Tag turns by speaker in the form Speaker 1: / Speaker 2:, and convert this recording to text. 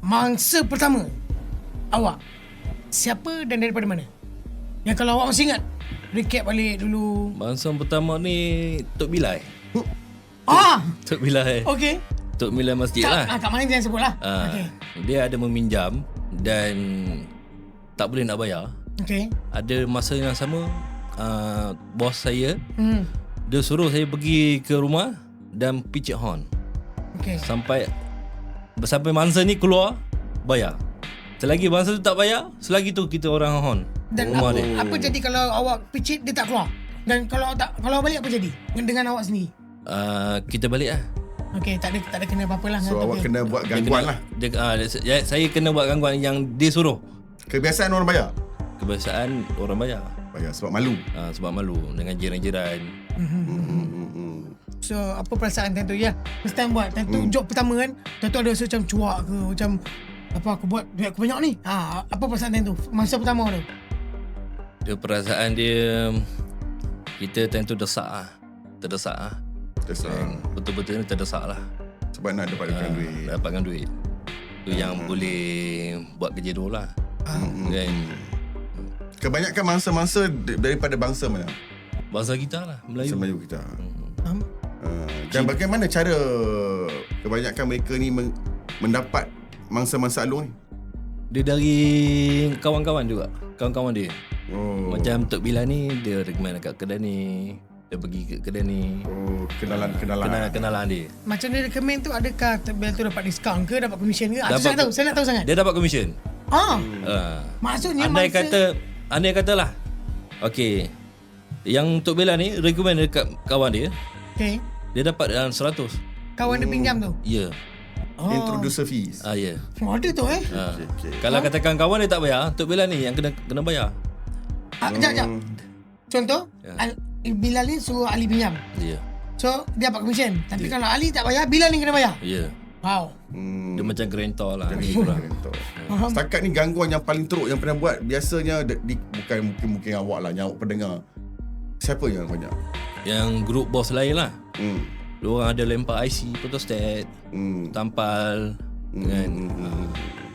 Speaker 1: mangsa pertama awak siapa dan daripada mana? Yang kalau awak masih ingat, recap balik dulu.
Speaker 2: Mangsa pertama ni Tok Bilal. Tok Bilal.
Speaker 1: Okey.
Speaker 2: Tok Bilal masjid lah.
Speaker 1: Kat mana jangan sebut lah.
Speaker 2: Okay. Dia ada meminjam dan tak boleh nak bayar.
Speaker 1: Okey.
Speaker 2: Ada masa yang sama bos saya dia suruh saya pergi ke rumah dan picit horn.
Speaker 1: Okey.
Speaker 2: Sampai mangsa ni keluar bayar. Selagi mangsa tu tak bayar, selagi tu kita orang horn.
Speaker 1: Dan apa jadi kalau awak picit dia tak keluar? Dan kalau balik apa jadi dengan awak sendiri?
Speaker 2: Kita balik lah.
Speaker 1: Okey, tak ada kena apa-apa lah.
Speaker 3: So awak kena buat gangguan lah.
Speaker 2: Saya kena buat gangguan yang dia suruh.
Speaker 3: Kebiasaan orang bayar?
Speaker 2: Kebiasaan orang bayar.
Speaker 3: Bayar sebab malu.
Speaker 2: Sebab malu dengan jiran-jiran.
Speaker 1: So apa perasaan time tu ya? First time buat time tu job pertama kan. Time tu ada rasa macam cuak ke, macam apa aku buat duit aku banyak ni. Apa perasaan time tu? Masa pertama tu.
Speaker 2: Dia perasaan dia kita time tu terdesak lah. Betul-betul ni terdesak lah.
Speaker 3: Sebab nak dapatkan duit.
Speaker 2: Dapatkan duit. Tu yang boleh buat kerja dulu lah. Kan?
Speaker 3: Kebanyakan mangsa-mangsa daripada bangsa mana?
Speaker 2: Bangsa kita lah, Melayu.
Speaker 3: Melayu kita. Dan bagaimana cara kebanyakan mereka ni mendapat mangsa-mangsa Along ni?
Speaker 2: Dia dari kawan-kawan juga. Kawan-kawan dia. Macam Tok Bilal ni, dia recommend kat kedai ni. Dia pergi ke kedai ni. Kenalan dia.
Speaker 1: Macam dia recommend tu, adakah Tok Bilal tu dapat diskaun ke, dapat komisen ke? Saya nak tahu sangat.
Speaker 2: Dia dapat komisen.
Speaker 1: Maksudnya
Speaker 2: Andai katalah. Okey. Yang Tok Bilal ni recommend dekat kawan dia.
Speaker 1: Okey.
Speaker 2: Dia dapat 100.
Speaker 1: Kawan dia pinjam tu.
Speaker 2: Ya.
Speaker 3: Introducer fees.
Speaker 2: Ya.
Speaker 1: Ada tu
Speaker 3: Okay.
Speaker 2: Kalau katakan kawan dia tak bayar, Tok Bilal ni yang kena bayar.
Speaker 1: Sekejap. Contoh, Bilal ni suruh Ali pinjam.
Speaker 2: Ya.
Speaker 1: So, dia dapat komisen. Tapi kalau Ali tak bayar, Bilal ni kena bayar.
Speaker 2: Ya.
Speaker 1: Wow.
Speaker 2: Dia macam gerentor lah.
Speaker 3: Setakat ni gangguan yang paling teruk yang pernah buat, biasanya bukan mungkin awak lah, yang awak pendengar. Siapa yang banyak?
Speaker 2: Yang grup bos lain lah. Diorang ada lempar IC, photostat, tampal kan.